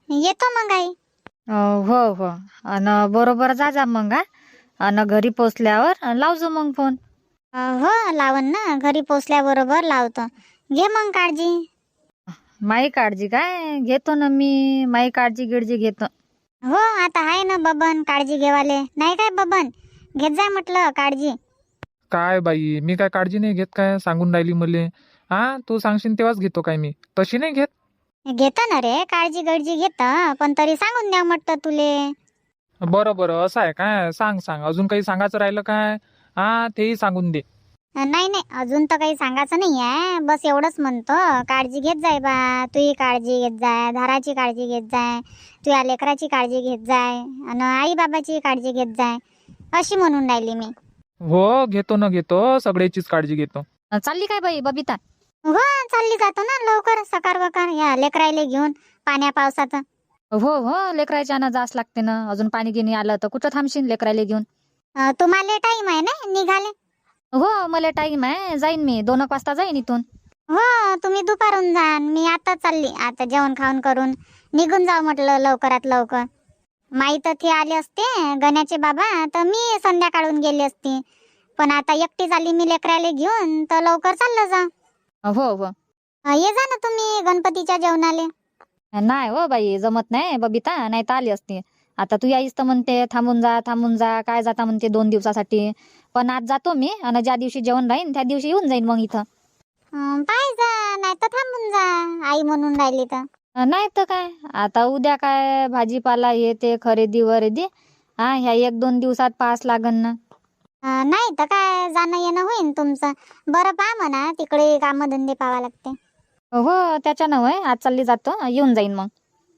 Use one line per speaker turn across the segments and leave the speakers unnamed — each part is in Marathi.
येतो मग आई.
हो हो. अन बरोबर जा मग हा. अन घरी पोचल्यावर लावजो मग फोन.
हो लावन ना, घरी पोचल्याबरोबर लावतो. घे मग काळजी.
माई काळजी काय घेतो ना मी, माई काळजी गिळजी घेतो.
हो आता आहे ना बबन काळजी घेवाले, नाही काय बबन? घेत जाय म्हटलं काळजी.
काय बाई, मी काय काळजी नाही घेत काय? सांगून राहिली मले. हा, तू सांगशील तेव्हाच घेतो काय मी? तशी नाही घेत.
घेतो ना रे, काळजी गळजी घेत, पण तरी सांगून द्या म्हटलं तुले.
बरं बरं, असं आहे काय? सांग सांग, अजून काही सांगायचं राहिलं काय? हा, तेही सांगून दे.
नाही नाही, अजून तर काही सांगायचं नाही आहे. बस एवढंच म्हणतो, काळजी घेत जाय बा. तुही काळजी घेत जाय, धाराची काळजी घेत जाय, तुझ्या लेकराची काळजी घेत जाय, आणि आई बाबाची काळजी घेत जाय, अशी म्हणून राहिली मी.
हो, घेतो ना घेतो, सगळ्याचीच काळजी घेतो.
चालली काय बाई बबिता?
हो चालली जातो ना लवकर, सकार वकार या लेकरायले घेऊन पाण्या पावसाचं.
हो हो, लेकरायच्या ना जास लागते ना. अजून पाणी गिनी आलं तर कुठं थांबशील लेकरायला घेऊन?
तुम्हाला टाइम आहे ना निघाले?
हो, मला टाईम आहे, जाईन मी 2 वाजता जाईन इथून.
हो तुम्ही दुपारून जा, मी आता चालली. आता जेवण खाऊन करून निघून जाऊ म्हटलं लवकरात लवकर. माहीत ते आले असते गण्याचे बाबा, तर मी संध्याकाळून गेली असती. पण आता एकटी झाली मी लेकराले घेऊन, तर लवकर चाललं जा.
हो हो.
ये जा ना तुम्ही गणपतीच्या जेवणाले.
नाही हो बाई, जमत नाही बबिता, नाही तर आली असती. आता तू यायच तर म्हणते थांबून जा थांबून जा, काय जाता म्हणते 2 दिवसासाठी. पण आज जातो मी, आणि ज्या दिवशी जेवण राहीन त्या दिवशी येऊन जाईन मग इथं.
पाय जा, नाही तर थांबून जा, आई म्हणून राहिली तर.
नाही तर काय, आता उद्या काय भाजीपाला हे ते खरेदी वरेदी, हा ह्या 1-2 दिवसात पास लागन ना.
नाही तर काय, जाणं येणं होईन तुमचं. बरं पहा म्हणा, तिकडे कामधंदे पाहावा लागते.
हो त्याच्यानं होय, आज चालली जातो, येऊन जाईन मग.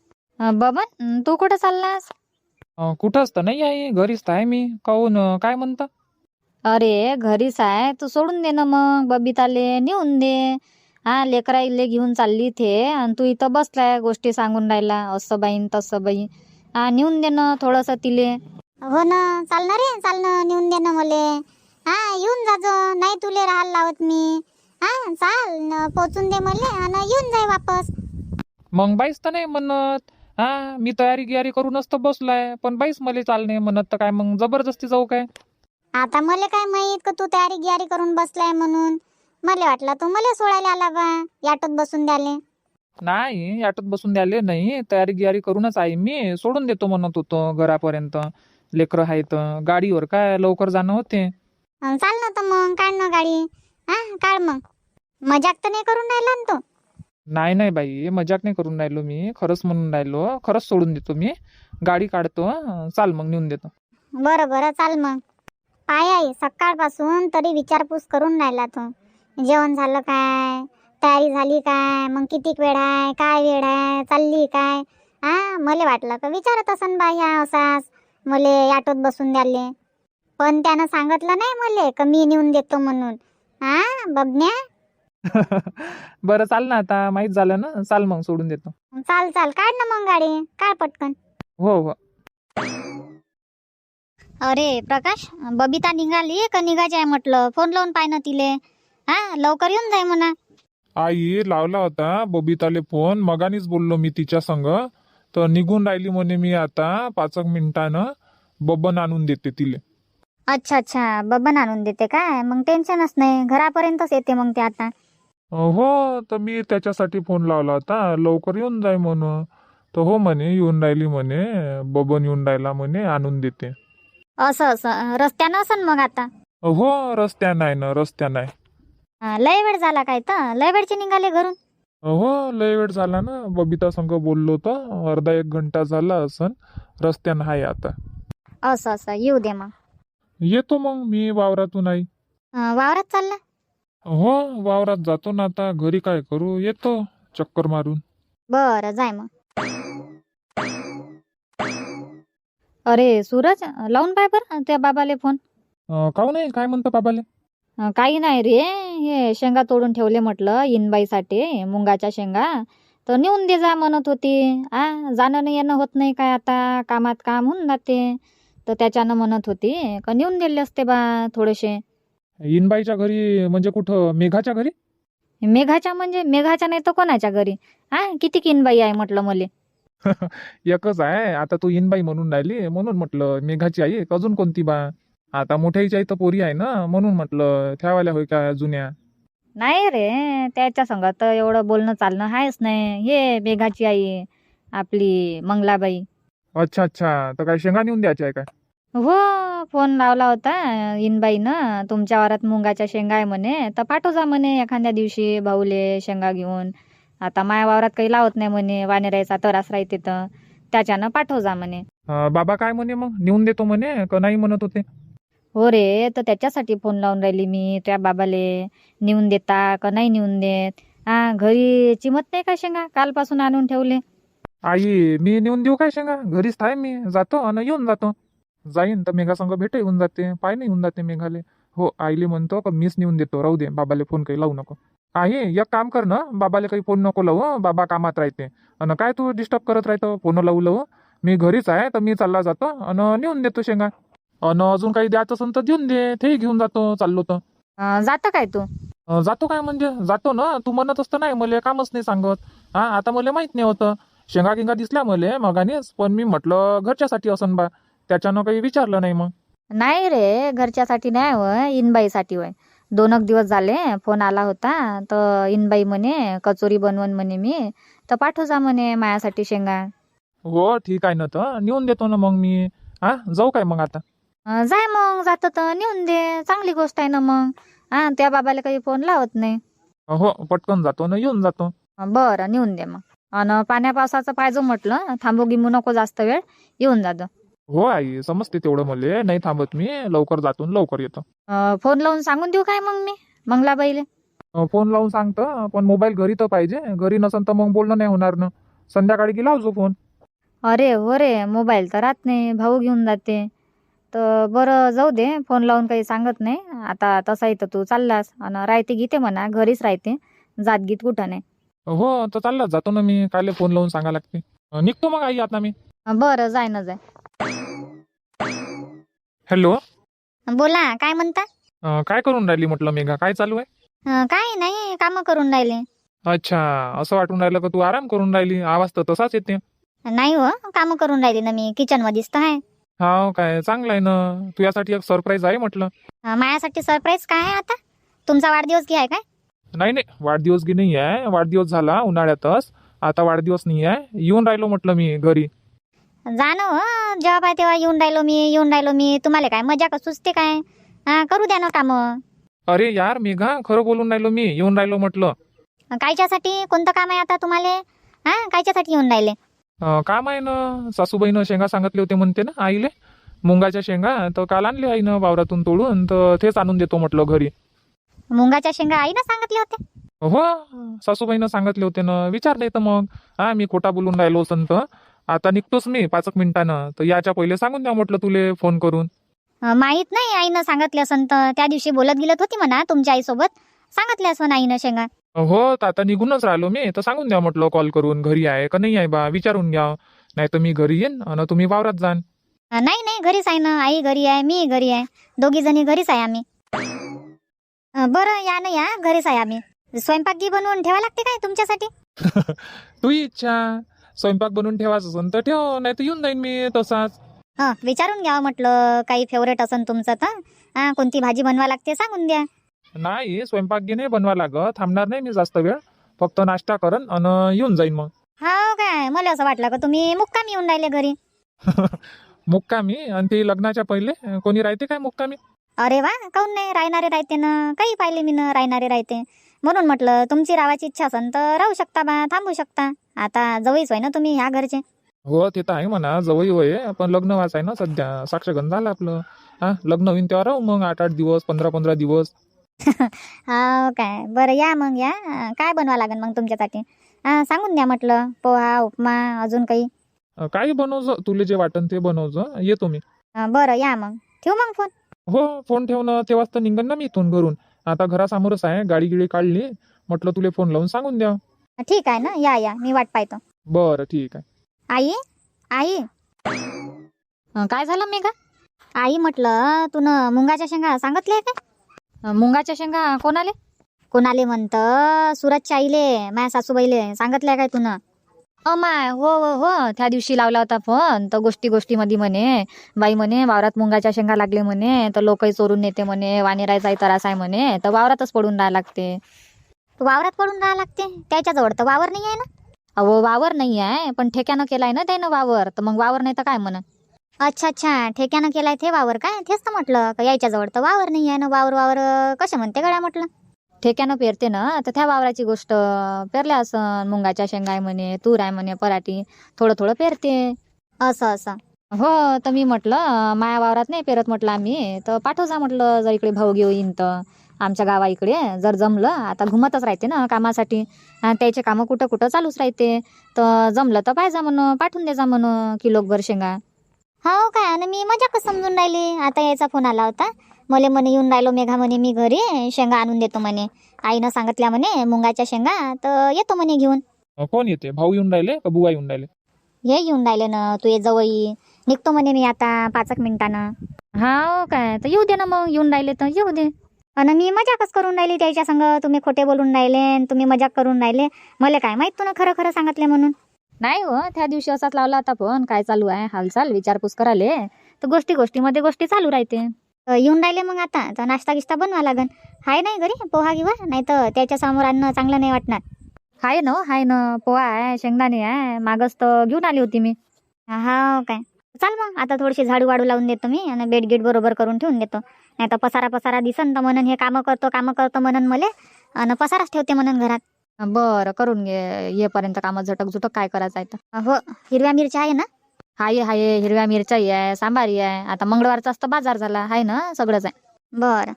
बबन, तू कुठं चाललास?
कुठंच तर नाही आहे, घरीच तर आहे मी. काहून, काय म्हणता?
अरे घरीच आहे, तू सोडून दे ना मग, बबिताले नेऊन दे. हा, लेकराईले घेऊन चालली थे आणि तू इथं बसलाय गोष्टी सांगून राहिला, असं बाईन तसं बाई. हा, नेऊन दे ना थोडंसं तिले.
हो ना, चालणार रे, चालणं नेऊन दे ना मले. हा येऊन जाजो, नाही तुले राहायला लावत मी. हा चाल पोचून दे मले आणि येऊन जाय वापस.
मग बाईच तर नाही म्हणत. हा, मी तयारी गियारी करूनच तर बसलाय, पण बाईच मला चाल नाही म्हणत, तर काय मग जबरदस्ती जाऊ काय?
आता मले काय माहित का तू तयारी गियारी करून बसलाय म्हणून. मला वाटलं तू मला सोडायला आला बा, ऑटोत बसून द्याले.
नाही, ऑटोत बसून द्याले नाही, तयारी गियारी करूनच आहे मी. सोडून देतो म्हणत होतो घरापर्यंत. लेकरं आहेत, गाडीवर काय लवकर जाणं होते.
चाल ना तर मग, काढ ना गाडी. हा काढ मग. मजाक तर नाही करून राहिला ना तू?
नाही नाही बाई, मजाक नाही करून राहिलो मी, खरंच म्हणून राहिलो. खरंच सोडून देतो मी, गाडी काढतो. चाल मग, नेऊन देतो.
बरं बरं चाल मग. पाय आई, सकाळपासून तरी विचारपूस करून राहिला तू. जेवण झालं काय, तयारी झाली काय, मग कितीक वेळ आहे, काय वेळ आहे, चालली काय. हा मला वाटलं का विचारत असन बा ह्या असाच मले ऑटोत बसून द्याले. पण त्यानं सांगितलं नाही मले का मी नेऊन देतो म्हणून. हा बबन्या.
बरं चाल ना, आता माहीत झालं ना. चाल मग, सोडून देतो.
चाल चाल, काढ ना मग गाडी, काढ पटकन.
हो हो.
अरे प्रकाश, बबिता निघाली का निघायची आहे म्हटलं? फोन लावून पाय ना तिले. हा लवकर येऊन जाय म्हणा.
आई लावला होता बबिताले फोन, मगानीच बोललो मी तिच्या संग. तर निघून राहिली म्हणे, मी आता 5 मिनिटानं बबन आणून देते तिले.
अच्छा अच्छा, बबन आणून देते काय? मग टेन्शनच नाही, घरापर्यंतच येते मग ते आता.
हो, तर मी त्याच्यासाठी फोन लावला होता, लवकर येऊन जाय म्हणून. तर हो म्हणे, येऊन राहिली म्हणे, बबन येऊन राहिला म्हणे, आणून देते.
असं असं रस्त्यानं असन मग आता.
हो, रस्त्या नाही ना, रस्त्या नाही.
लय वेळ झाला काय, तर लय वेळचे निघाले घरून.
हो, लय वेळ झाला ना, बबिता संग बोललो तर अर्धा 1 घंटा झाला असन. रस्त्यानं आहे आता.
असं असं, येऊ दे मग.
येतो मग मी वावरातून आई.
वावरात चालला?
हो, वावरात जातो ना आता, घरी काय करू, येतो चक्कर मारून.
बरं जाय मग.
अरे सूरज, लावून पाय बरं त्या बाबाले फोन.
काहून नाही, काय म्हणतो बाबाले?
काही नाही रे, हे शेंगा तोडून ठेवले म्हटलं इनबाईसाठी, मुंगाच्या शेंगा. तर नेऊन दे जा म्हणत होती. जाणं नाही येणं होत नाही काय, आता कामात काम होऊन जाते. तर त्याच्यानं म्हणत होती का नेऊन दिले असते बा थोडेसे.
इनबाईच्या घरी म्हणजे कुठं, मेघाच्या घरी?
मेघाच्या म्हणजे मेघाच्या नाही तर कोणाच्या घरी. किती इनबाई आहे म्हटलं मले.
एकच आहे आता. तू इनबाई म्हणून राहिली म्हणून म्हटलं मेघाची आई अजून कोणती बा. आता मोठ्याची आई तर पोरी आहे ना, म्हणून म्हटलं ठेवायला होय का जुन्या.
नाही रे, त्याच्या संग तर एवढं बोलणं चालणं आहेच नाही. हे बेगाची आई आपली मंगलाबाई.
अच्छा अच्छा, तर काय शेंगा नेऊन द्यायच्या आहे काय?
हो, फोन लावला होता इनबाईनं, तुमच्या वावरात मुंगाच्या शेंगा आहे म्हणे, तर पाठव जा म्हणे एखाद्या दिवशी भाऊले शेंगा घेऊन. आता माया वावरात काही लावत नाही म्हणे, वानेरायचा तरास राहते तर त्याच्यानं पाठव जा म्हणे.
बाबा काय म्हणे मग, नेऊन देतो म्हणे का नाही म्हणत होते?
हो रे, तर त्याच्यासाठी फोन लावून राहिली मी त्या बाबाले. नेऊन देता का नाही नेऊन देत? घरी चिमत नाही का शेंगा? कालपासून आणून ठेवले.
आई मी नेऊन देऊ काय शेंगा? घरीच आहे मी, जातो आणि येऊन जातो. जाईन तर मेघा संग भेट येऊन जाते, पाय नाही येऊन जाते मेघाले. हो आईले म्हणतो का मीच नेऊन देतो, राहू दे, बाबाले फोन काही लावू नको. आई एक काम कर ना, बाबाले काही फोन नको लावू, बाबा कामात राहते. आणि काय तू डिस्टर्ब करत राहतो फोन लावू. मी घरीच आहे तर मी चालला जातो आणि नेऊन देतो शेंगा. आणि अजून काही द्यायचं असेल तर देऊन दे, तेही घेऊन जातो चाललो तर.
जातं काय तू?
जातो काय म्हणजे जातो ना, तू म्हणत असतं नाही मला कामच नाही सांगत. आता मला माहित नाही होतं. शेंगा गिंगा दिसल्या मला मगानेच, पण मी म्हटलं घरच्यासाठी असन बा, त्याच्यानं काही विचारलं नाही मग.
नाही रे, घरच्यासाठी नाही होय, इनबाईसाठी होय. 2 दिवस झाले फोन आला होता, तर इनबाई म्हणे कचोरी बनवून म्हणे मी, तर पाठव जा म्हणे माझ्यासाठी शेंगा.
हो ठीक आहे ना, तर नेऊन देतो ना मग मी. जाऊ काय मग आता?
जाय मग, जातं तर नेऊन दे, चांगली गोष्ट आहे ना मग. त्या बाबाला काही फोन लावत नाही.
हो पटकन जातो ना, येऊन जातो.
बरं, नेऊन दे मग. आणि पाण्या पावसाचं पाहिजे म्हटलं, थांबू गिमू नको जास्त वेळ, येऊन जातं.
हो आई समजते तेवढं, मले नाही थांबत मी, लवकर जातो आणि लवकर येतो.
फोन लावून सांगून देऊ काय मग मी मंगलाबाईले?
फोन लावून सांगतो, पण मोबाईल घरी तर पाहिजे. घरी नसन तर मग बोलणं नाही होणार ना. संध्याकाळी की लावजो फोन.
अरे हो रे, मोबाईल तर राहत नाही, भाऊ घेऊन जाते. तर बरं जाऊ दे, फोन लावून काही सांगत नाही. आता तसाही तर तू चाललास आणि राहते गीते म्हणा, घरीच राहते, जात गीत कुठं नाही.
हो तर चाललाच जातो ना मी, काले फोन लावून सांगा लागते. निघतो मग आई आता मी.
बरं, जाय ना जाय.
हॅलो.
बोला, काय म्हणता?
काय करून राहिली म्हटलं मेघा, काय चालू आहे?
काय नाही, काम करून राहिले.
अच्छा, असं वाटून राहिलं का तू आराम करून राहिली, आवाज तर तसाच येते.
नाही हो, काम करून राहिली ना मी, किचन मध्येच तर आहे.
हा काय, चांगलं आहे ना. तुझ्यासाठी एक सरप्राईज आहे म्हटलं.
माझ्यासाठी सरप्राईज काय आहे आता? तुमचा वाढदिवस घ्याय काय?
नाही नाही, वाढदिवस की नाही आहे, वाढदिवस झाला उन्हाळ्यातच, आता वाढदिवस नाही आहे. येऊन राहिलो म्हटलं मी घरी.
जा ना हो, जेव्हा पाय तेव्हा येऊन राहिलो मी. तुम्हाला काय मजा का सुचते काय? करू द्या ना काम.
अरे यार मेघा, खरं बोलून राहिलो मी, येऊन राहिलो म्हटलं.
कायच्यासाठी, कोणतं काम आहे आता तुम्हाला? कायच्यासाठी येऊन राहिले?
काम आहे ना, सासूबाईनं शेंगा सांगितले होते म्हणते ना आईले, मुंगाच्या शेंगा, तर काल आणले आईनं वावरातून तोडून, तर तेच आणून देतो म्हटलं घरी.
मुंगाच्या शेंगा आईनं सांगितले होते?
हो, सासूबाईनं सांगितले होते ना, विचार नाही तर मग. मी खोटा बोलून राहिलो संत. आता निघतोच मी 5 मिनिटानं, तर याच्या पहिले सांगून द्या म्हटलं तुले फोन करून.
माहित नाही, आईनं सांगितले असन तर. त्या दिवशी बोलत गेलत होती म्हणा तुमच्या आईसोबत, सांगितले असन आईनं शेंगा.
हो, तर आता निघूनच राहिलो मी, तर सांगून द्या म्हटलं कॉल करून, घरी आहे का नाही आहे बा, विचारून घ्या. नाही तर मी घरी येईन आणि तुम्ही वावरात जाण.
नाही नाही, घरीच आहे ना, आई घरी आहे, मी घरी आहे, दोघी जणी घरीच आहे आम्ही. बरं या ना, या घरीच आहे आम्ही. स्वयंपाक गी बनवून ठेवा लागते काय तुमच्यासाठी?
तू इच्छा, स्वयंपाक बनवून ठेवायचं असेल तर ठेव, नाही तर येऊन जाईन मी तसाच.
विचारून घ्या म्हटलं, काही फेवरेट असन तुमचं तर. कोणती भाजी बनवा लागते सांगून द्या.
नाही, स्वयंपाक गी नाही बनवा लागत, थांबणार नाही मी जास्त वेळ, फक्त नाश्ता करन आणि येऊन जाईन मग.
हो काय, मला असं वाटलं का तुम्ही मुक्कामी येऊन राहिले घरी.
मुक्कामी? आणि ते लग्नाच्या पहिले कोणी राहते काय मुक्कामी?
अरे वा, काऊन नाही, राहणारे राहते ना, काही पाहिले मी ना, राहणारे राहते. म्हणून म्हटलं तुमची राहायची इच्छा असन तर राहू शकता बा, थांबू शकता. आता जवळच होय ना तुम्ही ह्या घरचे.
हो ते तर आहे म्हणा, जवळ होय, पण लग्न वाचाय ना सध्या, साक्षगंध झालं आपलं. लग्न होईन तेव्हा राहू मग 8-8 दिवस, 15-15 दिवस.
हो काय, बरं या मग या. काय बनवा लागेल मग तुमच्यासाठी? सांगून द्या म्हटलं, पोहा, उपमा, अजून काही.
काही बनवजो, तुले जे वाटन ते बनवजो, येतो मी.
बरं या मग, ठेवू मग फोन.
हो, फोन ठेवणं तेव्हाच तर निघन ना मी इथून घरून. आता घरासमोरच आहे, गाडी गिडी काढली, म्हटलं तुले फोन लावून सांगून द्या.
ठीक आहे ना, या या, मी वाट पाहतो.
बरं ठीक आहे.
आई, आई,
काय झालं मेघा?
आई म्हटलं तुन मुंगाच्या शेंगा सांगितले का?
मुंगाच्या शेंगा कोणाले?
कोणाले म्हणतं? सुरतच्या आईले, माझ्या सासूबाईले सांगितल्या काय तुन?
अमाय हो हो हो, त्या दिवशी लावला होता फोन तर गोष्टीमध्ये म्हणे बाई म्हणे वावरात मुंगाच्या शेंगा लागले म्हणे तर लोकही चोरून नेते म्हणे, वानेरायचाही त्रास आहे म्हणे तर वावरातच पडून राहायला लागते.
वावरात पडून राहा लागते? त्याच्याजवळ तर वावर नाही आहे ना.
अहो वावर नाही आहे पण ठेक्यानं केलाय ना त्यानं वावर, तर मग वावर नाही तर काय म्हणा.
अच्छा अच्छा, ठेक्यानं केलाय ते वावर काय? तेच तर म्हटलं का याच्याजवळ तर वावर नाही आहे ना. वावर वावर कसे म्हणते गड्या म्हटलं.
ठेक्यानं पेरते ना तर त्या वावराची गोष्ट. पेरल्या असं मुंगाच्या शेंगा आहे म्हणे, तूर आहे म्हणे, पराठी थोडं थोडं पेरते.
असं असं.
हो तर मी म्हटलं माया वावरात नाही पेरत म्हटलं आम्ही, तर पाठव जा म्हटलं जर इकडे भाऊ घेऊ येईन तर आमच्या गावा इकडे जर जमलं. आता घुमतच राहते ना कामासाठी, त्याचे कामं कुठं कुठं चालूच राहते. तर जमलं तर पाहिजे म्हणून पाठवून दे जा म्हणून किलोभर शेंगा.
हो काय? आणि मी मजाकच समजून राहिली. आता याचा फोन आला होता मले, म्हणे येऊन राहिलो मेघा म्हणे, मी घरी शेंगा आणून देतो म्हणे. आईनं सांगितल्या म्हणे मुंगाच्या शेंगा, तर येतो म्हणे घेऊन.
कोण येते? भाऊ येऊन राहिले का बुवा येऊन राहिले?
हे येऊन राहिले ना, तू ये जवळ निघतो म्हणे मी आता 5 मिनिटानं.
हा काय? तर येऊ दे ना मग, येऊन राहिले तर येऊ दे.
आणि मी मजाकच करून राहिली त्याच्या संग. तुम्ही खोटे बोलून राहिले आणि तुम्ही मजाक करून राहिले. मला काय माहित तुला खरं खरं सांगितले म्हणून.
नाही हो, त्या दिवशी असाच लावला होता फोन, काय चालू आहे हालचाल विचारपूस करायले, तर गोष्टीमध्ये गोष्टी चालू राहते.
येऊन राहिले मग आता तर नाश्ता गिश्ता बनवा लागन. हाय नाही घरी पोहा गिवा? नाही तर त्याच्या समोर आणणं चांगलं नाही वाटणार.
हाय ना पोहा आहे, शेंगदाणे आहे, मागच तर घेऊन आली होती मी.
हा काय? चाल मग आता थोडीशी झाडू वाडू लावून देतो मी आणि बेड गिट बरोबर करून ठेवून देतो. नाही तर पसारा दिसन तर म्हणून हे कामं करतो म्हणून मले आणि पसाराच ठेवते म्हणून घरात.
बरं करून घे, येपर्यंत कामं झटक काय करायचं आहे तर.
हो, हिरव्या मिरच्या आहे ना?
हाय हिरव्या मिरच्याही आहे, सांबारी आहे. आता मंगळवारचा तर बाजार झाला आहे ना, सगळंच आहे.
बरं.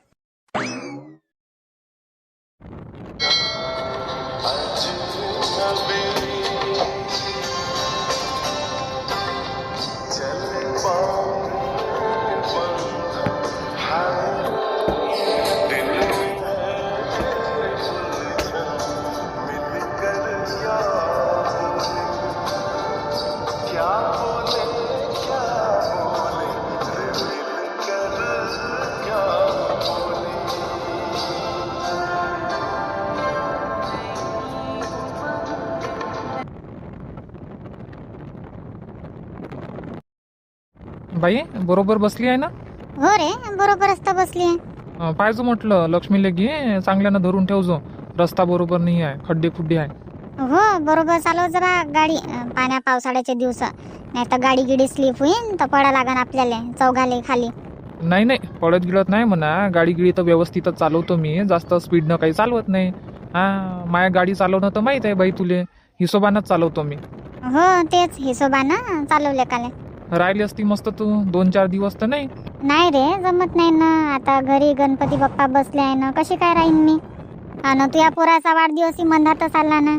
बाई बरोबर बसली आहे ना?
हो रे, बरोबरच तर बसली आहे.
पाहिजे म्हटलं लक्ष्मीले घे, चांगल्यानं धरून ठेवजो. रस्ता बरोबर नाही आहे, खड्डे खुड्डे आहे.
हो बरोबर चालव जरा गाडी. पाण्या पावसाळ्याचे दिवस, नाही तर गाडी गिडी स्लिप होईन तर पडा लागन आपल्याला चौघाले खाली.
नाही पडत गिळत नाही म्हणा. गाडी गिडी तर व्यवस्थितच चालवतो मी, जास्त स्पीडनं काही चालवत नाही. माया गाडी चालवणं तर माहीत आहे बाई तुले, हिशोबानंच चालवतो मी.
हो तेच हिशोबानं चालवले काले.
राहिली असती मस्त तू 2-4 दिवस तर नाही.
नाही रे, जमत नाही ना. आता घरी गणपती बाप्पा बसले आहे ना, कशी काय राहीन मी. आणि तुझ्या पोराचा वाढदिवसही मंदातच आला ना.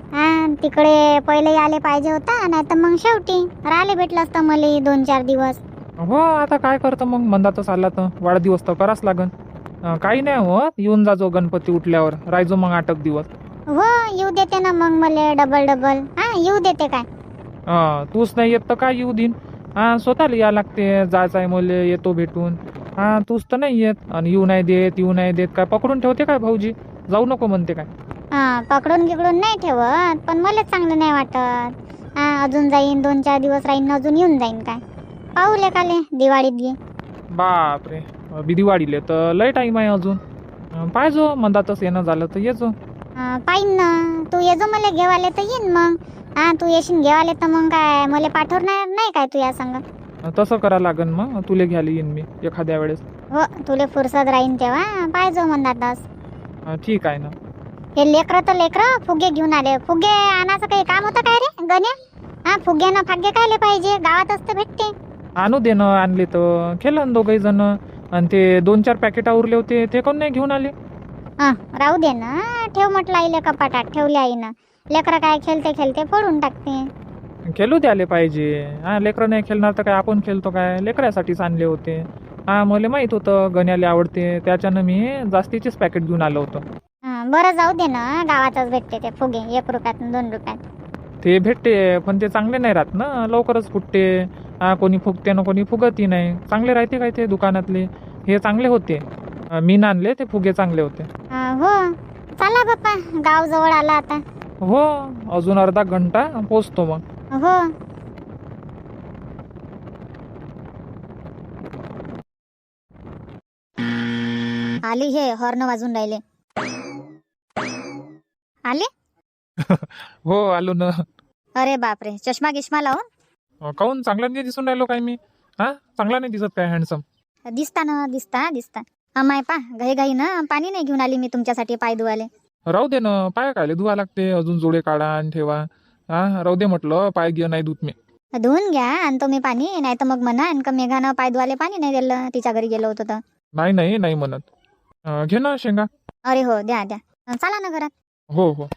तिकडे पहिले आले पाहिजे होता, नाही तर मग शेवटी राहिले भेटलं असतं मला 2-4 दिवस.
हो आता काय करतं मग, मंदातच आला तर वाढदिवस तर कराच लागन. काही नाही होत, येऊन जाजो गणपती उठल्यावर, राहायचो मग 8 दिवस.
हो येऊ देते ना मग मला डबल. येऊ देते काय?
तूच नाही येत तर काय येऊ देईन. स्वतःला या लागते, जायचं आहे मला, येतो भेटून. तूच तर नाही येत आणि येऊ नाही देत काय पकडून ठेवते काय भाऊजी? जाऊ नको म्हणते काय?
पकडून गिकडून नाही ठेवत, पण मला चांगलं नाही वाटत. अजून जाईन 2-4 दिवस राहीन, अजून येऊन जाईन काय. पाहू लेकाले दिवाळीत घे.
बापरे, दिवाळीले तर लय टाईम आहे अजून. पाहिजो मंदातच येणं झालं तर येजो.
पाहिन ना, तू येजो मला घेवाले तर येईन मग. तू येशील घेवाले तर मग काय मला पाठवणार नाही काय तू या संग?
तसं करा लागन मग, तुले घ्यायला येईन मी एखाद्या वेळेस.
हो तुले फुरसत राहीन तेव्हा पाहिजो मंदातच.
ठीक आहे ना.
हे लेकरं फुगे घेऊन आले. फुगे आणायचं काही काम होतं काय रे गण्या? फुग्यानं फागे कायले पाहिजे, गावातच तर भेटते.
आणू दे ना, आणले तर खेळन दोघही जण. आणि ते 2-4 पॅकेट उरले होते ते कोण नाही घेऊन आले?
राहू दे ना, ठेव म्हटलं आईले कपाटात ठेवले आईनं. लेकरं काय खेळते फोडून टाकते.
खेळू द्याले पाहिजे. लेकरं नाही खेळणार तर काय आपण खेळतो काय? लेकरासाठीच आणले होते. मला माहित होतं गण्याला आवडते, त्याच्यानं मी जास्तीचेच पॅकेट घेऊन आलो होतो.
बरं जाऊ दे ना, गावातच भेटते ते फुगे 1 रुपयात 2 रुपयात.
ते भेटते पण ते चांगले नाही राहत ना, लवकरच फुटते. कोणी फुगते ना कोणी फुगतही नाही. चांगले राहते काय ते दुकानातले? हे चांगले होते, मी आणले ते फुगे चांगले होते.
हो चला बाप्पा, गाव जवळ आला आता.
हो, अजून अर्धा घंटा पोचतो मग.
हो. आली हे हॉर्न वाजून राहिले. आले?
हो आलो ना.
अरे बापरे, चष्मा गिश्मा लावून
काहून चांगला नाही दिसून राहिलो काय मी? हा, चांगला नाही दिसत काय हँडसम?
दिसता ना, दिसता. अमाय पा घाई ना पाणी नाही घेऊन आली मी तुमच्यासाठी पाय धुवाले.
राहू दे ना, पाय कायले धुवा लागते, अजून जोडे काढा आणि ठेवा. हा, राहू दे म्हटलं, पाय गिय नाही धुत मी.
धुवून घ्या आणतो मी पाणी, नाही तर मग म्हणा का मेघानं पाय धुवाले पाणी नाही दिलं तिच्या घरी गेलो होतो तर.
नाही म्हणत. घे ना शेंगा.
अरे हो, द्या चला ना घरात.
हो.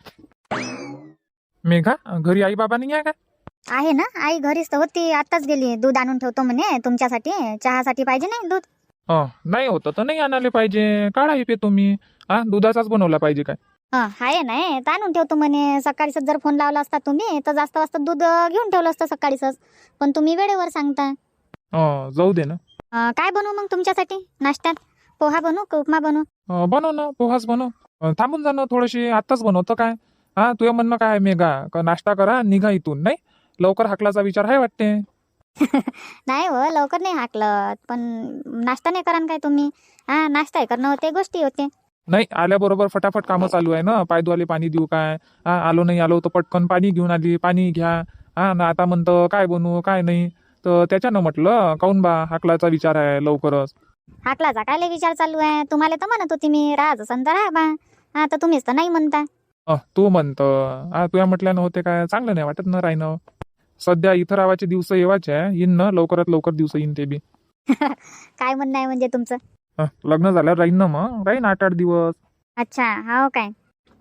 मेघा, घरी आई बाबा नाही आहे का?
आहे ना, आई घरीच तर होती, आताच गेली. दूध आणून ठेवतो म्हणे तुमच्यासाठी, चहासाठी पाहिजे नाही दूध.
नाही होतं तर नाही आणायला पाहिजे, काढाही पे तुम्ही. हा, दुधाचाच बनवला पाहिजे काय?
आहे नाही तर आणून ठेवतो म्हणे. सकाळीच जर फोन लावला असता तुम्ही तर जास्त वाजता दूध घेऊन ठेवलं असतं सकाळीच, पण तुम्ही वेळेवर सांगता.
जाऊ दे ना.
काय बनवू मग तुमच्यासाठी नाश्त्यात? पोहा बनवू का उपमा बनवू?
बनव ना, पोहाच बनव. थांबून जा ना थोडीशी, आत्ताच बनवतं काय? हा, तुझं म्हणणं काय आहे मेघा? का नाश्ता करा निघा इथून, नाही लवकर हाकलाचा विचार आहे वाटते.
नाही हो, लवकर नाही हाकलत, पण नाश्ता नाही करा काय तुम्ही? नाश्ता करणं होते, गोष्टी होते.
नाही, आल्याबरोबर फटाफट कामं चालू आहे ना. पायद्वाले पाणी देऊ काय? आलो नाही आलो तर पटकन पाणी घेऊन आली, पाणी घ्या. ना आता म्हणतं काय बनवू काय नाही, तर त्याच्यानं म्हटलं काऊन बा हाकलाचा विचार आहे लवकरच.
हाकलाचा काय लय विचार चालू आहे? तुम्हाला तर म्हणत होती मी राहायचं असन तर राहा बा. तर तुम्हीच तर नाही म्हणता.
तू म्हणतं तुया म्हटल्यानं होते काय? चांगलं नाही वाटत ना राहिनं. सध्या इथं राहायचे दिवस येवाचे आहे, येईन ना लवकरात लवकर दिवस येईन ते बी.
काय म्हणणं आहे म्हणजे तुमचं?
लग्न झाल्यावर राहीन ना, मग राहीन 8-8 दिवस.
अच्छा, हो काय?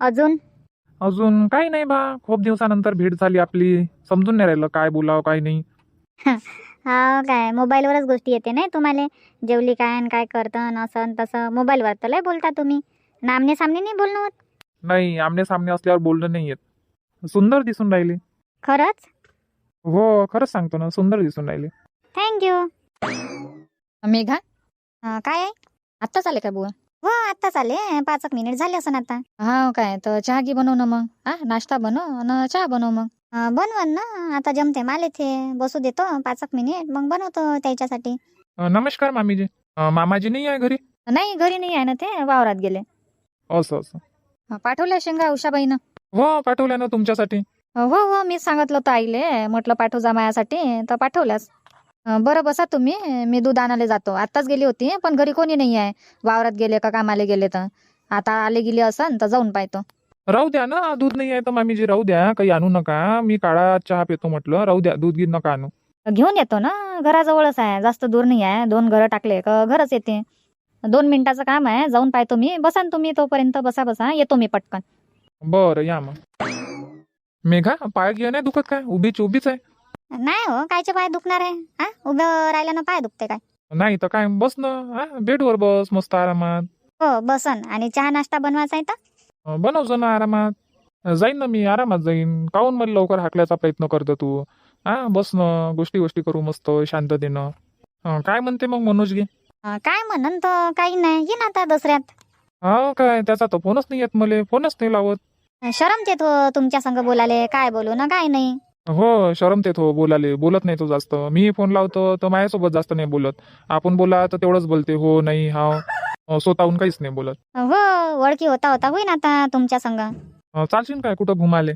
अजून काही नाही बा, खूप दिवसानंतर भेट झाली आपली, समजून नाही राहिलं काय बोलावं काय नाही.
हा काय, मोबाईलवरच गोष्टी येते नाही तुम्हाला? जेवली काय आणि काय करतं असं तसं मोबाईलवर तर लय बोलता तुम्ही, आमने सामने नाही बोलणं होत.
नाही, आमने सामने असल्यावर बोलणं नाही येत. सुंदर दिसून राहिले.
खरंच?
हो, खरंच सांगतो ना, सुंदर दिसून राहिले.
थँक्यू.
मेघा,
काय आहे?
आत्ताच आले का बुवा?
हो, आत्ताच आले, 5 मिनिट झाले असं आता.
हा काय, तर चहा घे बनव ना मग. नाश्ता बनव आणि चहा बनव मग.
बनवन ना, आता जमते मला इथे बसू देतो 5 मिनिट, मग बनवतो त्याच्यासाठी.
नमस्कार मामीजी. मामाजी नाही आहे घरी?
नाही, घरी नाही आहे ना, ते वावरात गेले.
असं.
पाठवल्या शेंगा उषाबाईनं?
हो, पाठवल्या ना तुमच्यासाठी.
हो, मी सांगितलं होतं आईले, म्हटलं पाठव जा माझ्यासाठी, तर पाठवल्यास. बरं बसा तुम्ही, मी दूध आणायला जातो. आत्ताच गेली होती पण घरी कोणी नाही आहे, वावरात गेले का कामाला गेले, तर आता आले गेले असन तर जाऊन पाहतो.
राहू द्या ना, दूध नाही आहे तर मामीजी राहू द्या, काही आणू नका. मी काळा चहा पितो म्हटलं, राहू द्या, दूध गीत नका आणू.
घेऊन येतो ना, घराजवळच आहे, जास्त दूर नाही आहे. 2 घरं टाकले का घरच येते. 2 मिनिटाचं काम आहे, जाऊन पाहतो मी. बसा ना तुम्ही तोपर्यंत, बसा येतो मी पटकन.
बरं, या मग. मेघा, पाय गिय नाही दुखत काय? उभीच आहे.
नाही हो, कायचे पाय दुखणार आहे? उभं राहिल्यानं पाय दुखते काय?
नाही तर काय, बस ना. बेडवर बस मस्त आरामात.
हो, बसन. आणि चहा नाश्ता बनवायचा आहे तर?
बनवजो ना आरामात. जाईन ना मी, आरामात जाईन. काहून मला लवकर हाकल्याचा प्रयत्न करतो तू? बस ना, गोष्टी करू मस्त शांततेनं. काय म्हणते मग मनोज गे?
काय म्हणन तर काही नाही, येईन आता दसऱ्यात.
काय, त्याचा तर फोनच नाही येत मला, फोनच नाही लावत.
शरमते तो तुमच्या संग बोलाले, काय बोलू ना काय नाही.
हो, शरमते तो बोलाले, बोलत नाही तो जास्त. मी फोन लावतो तर माझ्यासोबत जास्त नाही बोलत. आपण बोला तर तेवढंच बोलते, हो नाही हा, स्वतःहून काहीच नाही बोलत.
हो, ओळखी होता होईन आता तुमच्या संग.
चालशील काय कुठं घुमाले?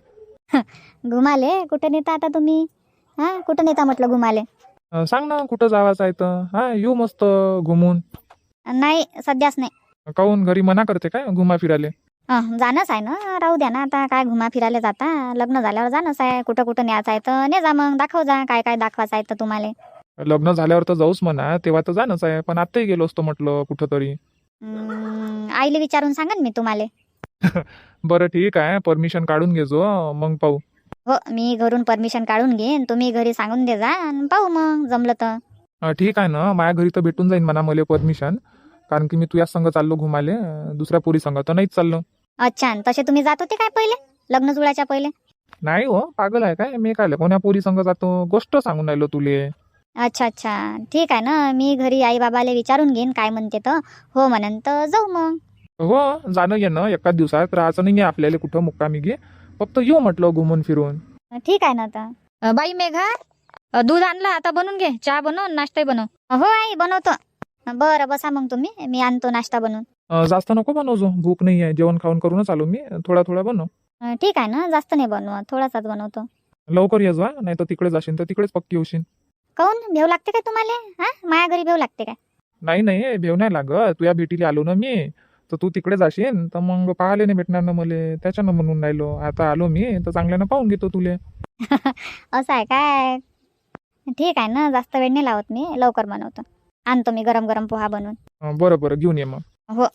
घुमाले कुठं नेता आता तुम्ही? कुठं नेता म्हटलं घुमाले?
सांग ना कुठं जावाचं आहे तर येऊ मस्त घुमून.
नाही, सध्याच नाही.
काहून, घरी मना करते काय घुमा फिराले?
जाणंच आहे ना, राहू द्या ना आता, काय घुमा फिरायला जाता? लग्न झाल्यावर जाणंच आहे, कुठं न्यायचं आहे तर ने जा, मग दाखव जा काय काय दाखवायचं आहे तर तुम्हाला.
लग्न झाल्यावर तर जाऊच म्हणा, तेव्हा तर जाणंच आहे, पण आत्ताही गेलो असतो म्हटलं कुठं तरी.
आईले विचारून सांगा मी तुम्हाला.
बरं ठीक आहे, परमिशन काढून घेजो मग पाहू.
हो, मी घरून परमिशन काढून घेईन, तुम्ही घरी सांगून दे जा आणि पाहू मग जमलं तर.
ठीक आहे ना, माझ्या घरी तर भेटून जाईन म्हणा मला परमिशन, कारण की मी तुझ्या संग चाललो घुमाले, दुसऱ्या पोरी संग तर नाहीच चाललो.
अच्छा, तसे तुम्ही जात होते काय पहिले, लग्न जुळायच्या पहिले?
नाही हो, पागल आहे काय मी? काय कोण्या पोरी संग जातो? गोष्ट सांगून राहिलो तुले.
अच्छा, ठीक आहे ना, मी घरी आई बाबाला विचारून घेईन काय म्हणते तर, हो म्हणन तर जाऊ मग.
हो, जाणं येणं एकाच दिवसात राहायचं नाही आपल्याला कुठं मुक्कामी घे, फक्त येऊ म्हटलं घुमून फिरून.
ठीक आहे ना तर.
बाई मेघा, दूध आणलं, आता बनवून घे. चहा बनव, नाश्ताही बनव.
हो आई बनवतो. बरं बसा मग तुम्ही, मी आणतो नाश्ता बनवून.
जास्त नको बनवजो, भूक नाही आहे. जेवण खाऊन करूनच आलो मी. थोडा थोडा बनव.
ठीक आहे ना, जास्त नाही बनवत, थोडासाच बनवतो.
लवकर ये जा, नाही तर तिकडे जाशील तर तिकडेच पक्की होशील.
काऊन भेव लागते काय तुम्हाला? हा, माया घरी भेव लागते काय?
नाही नाही, भेव नाही लागत. तुझ्या भेटीला आलो ना मी, तर तू तिकडे जाशील तर मग पाहायला नाही भेटणार ना मले. त्याच्यानं म्हणून राहिलो. आता आलो मी तर चांगल्यानं पाहून घेतो तुले.
असं आहे काय? ठीक आहे ना, जास्त वेळ नाही लावत मी, लवकर बनवतो. आणतो मी गरम गरम पोहा बनवून.
बरं बरं, घेऊन ये मग.
हो.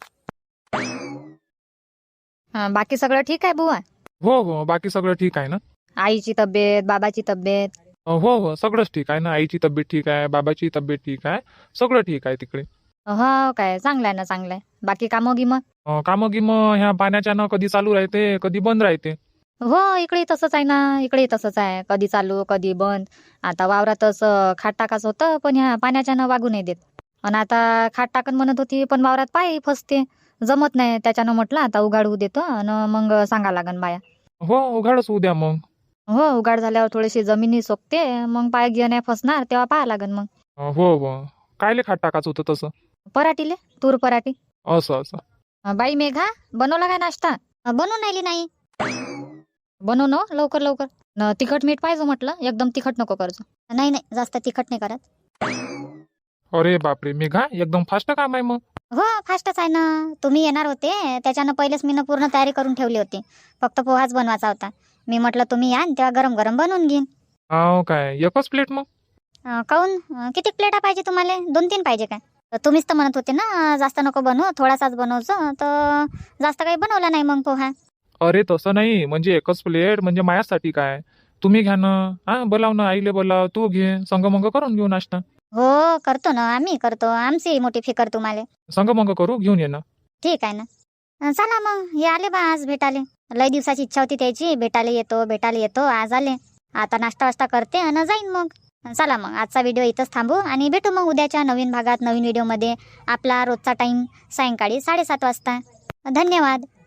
बाकी सगळं ठीक आहे बुवा?
हो हो, बाकी सगळं ठीक आहे ना.
आईची तब्येत, बाबाची तब्येत?
हो हो, सगळंच ठीक आहे ना. आईची तब्येत ठीक आहे, बाबाची तब्येत ठीक आहे, सगळं ठीक आहे तिकडे.
हो काय, चांगलं आहे ना, चांगलं आहे. बाकी कामं गिमं?
कामं गिमं ह्या पाण्याच्यानं कधी चालू राहते कधी बंद राहते.
हो, इकडे तसंच आहे ना, इकडे तसंच आहे. कधी चालू कधी बंद. आता वावरातच खाट टाकायचं होतं, पण ह्या पाण्याच्यानं वागू नाही देत. आणि आता खाट टाकन म्हणत होती, पण वावरात पाय फसते, जमत नाही. त्याच्यानं म्हटलं आता उघाड होऊ देतो आणि मग सांगा लागन बाया.
हो, उघाडच उद्या मग.
हो, उघाड झाल्यावर थोडीशी जमिनी सोकते, मग पाय गिय नाही फसणार, तेव्हा पाहा लागन मग.
हो हो, कायले खाट टाकायचं होतं तसं?
पराठीले, तूर पराठी.
असं असं.
बाई मेघा, बनवला काय नाश्ता?
बनवून राहिली नाही.
बनव ना लवकर लवकर. तिखट मीठ पाहिजे म्हटलं, एकदम तिखट नको करजो.
नाही नाही, जास्त तिखट नाही करत.
अरे बापरे मेघा, एकदम फास्ट काम आहे मग.
हो, फास्टच आहे ना. तुम्ही येणार होते, त्याच्यानं पहिलेच मी पूर्ण तयारी करून ठेवली होती. फक्त पोहाच बनवायचा होता. मी म्हटलं तुम्ही या तेव्हा गरम गरम बनवून घेईन.
हो काय, एकच प्लेट मग?
काऊन, किती प्लेटा पाहिजे तुम्हाला? 2-3 पाहिजे काय? तुम्हीच तर म्हणत होते ना जास्त नको बनवू, थोडासाच बनवतो. तर जास्त काही बनवला नाही मग पोहा.
अरे तसं नाही, म्हणजे एकच प्लेट म्हणजे माझ्यासाठी काय. तुम्ही घ्या ना. हा, बोलाव ना आईले, बोलाव, तू घे, संगमंग करून घेऊ नाश्ता.
हो करतो ना, आम्ही करतो. आमची मोठी फिकर तुम्हाला.
संगमंग करू, घेऊन ये ना.
ठीक आहे ना. चला मग, हे आले बा आज भेटाले. लय दिवसाची इच्छा होती त्याची, भेटायला येतो. आज आले. आता नाश्ता वास्ता करते आणि जाईन मग. चला मग, आजचा व्हिडिओ इथंच थांबू आणि भेटू मग उद्याच्या नवीन भागात, नवीन व्हिडिओमध्ये. आपला रोजचा टाईम सायंकाळी 7:30 वाजता. धन्यवाद.